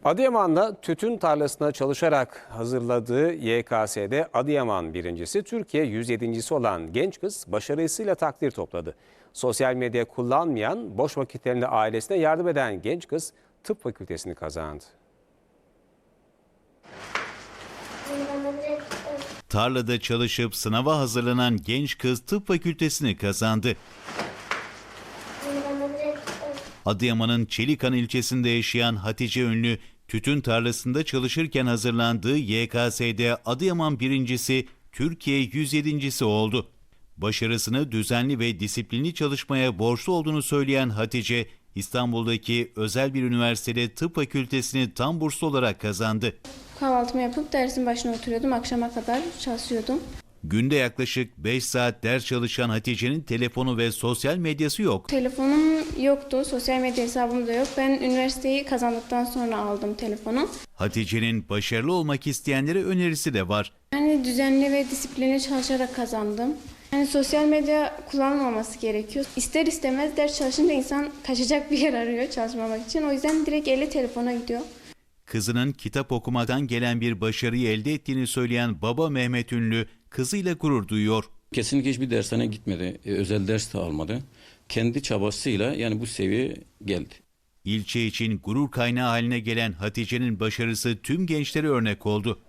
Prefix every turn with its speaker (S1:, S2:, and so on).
S1: Adıyaman'da tütün tarlasına çalışarak hazırladığı YKS'de Adıyaman birincisi, Türkiye 107.si olan genç kız başarısıyla takdir topladı. Sosyal medya kullanmayan, boş vakitlerinde ailesine yardım eden genç kız tıp fakültesini kazandı.
S2: Tarlada çalışıp sınava hazırlanan genç kız tıp fakültesini kazandı. Adıyaman'ın Çelikan ilçesinde yaşayan Hatice Ünlü, tütün tarlasında çalışırken hazırlandığı YKS'de Adıyaman birincisi, Türkiye 107.si oldu. Başarısını düzenli ve disiplinli çalışmaya borçlu olduğunu söyleyen Hatice, İstanbul'daki özel bir üniversitede tıp fakültesini tam burslu olarak kazandı.
S3: Kahvaltımı yapıp dersin başına oturuyordum. Akşama kadar çalışıyordum.
S2: Günde yaklaşık 5 saat ders çalışan Hatice'nin telefonu ve sosyal medyası yok.
S3: Telefonum yoktu. Sosyal medya hesabım da yok. Ben üniversiteyi kazandıktan sonra aldım telefonu.
S2: Hatice'nin başarılı olmak isteyenlere önerisi de var.
S3: Yani düzenli ve disiplinli çalışarak kazandım. Yani sosyal medya kullanılmaması gerekiyor. İster istemez ders çalışınca insan kaçacak bir yer arıyor çalışmamak için. O yüzden direkt eli telefona gidiyor.
S2: Kızının kitap okumadan gelen bir başarıyı elde ettiğini söyleyen baba Mehmet Ünlü, kızıyla gurur duyuyor.
S4: Kesinlikle hiçbir dershaneye gitmedi, özel ders de almadı. Kendi çabasıyla yani bu seviyeye geldi.
S2: İlçe için gurur kaynağı haline gelen Hatice'nin başarısı tüm gençlere örnek oldu.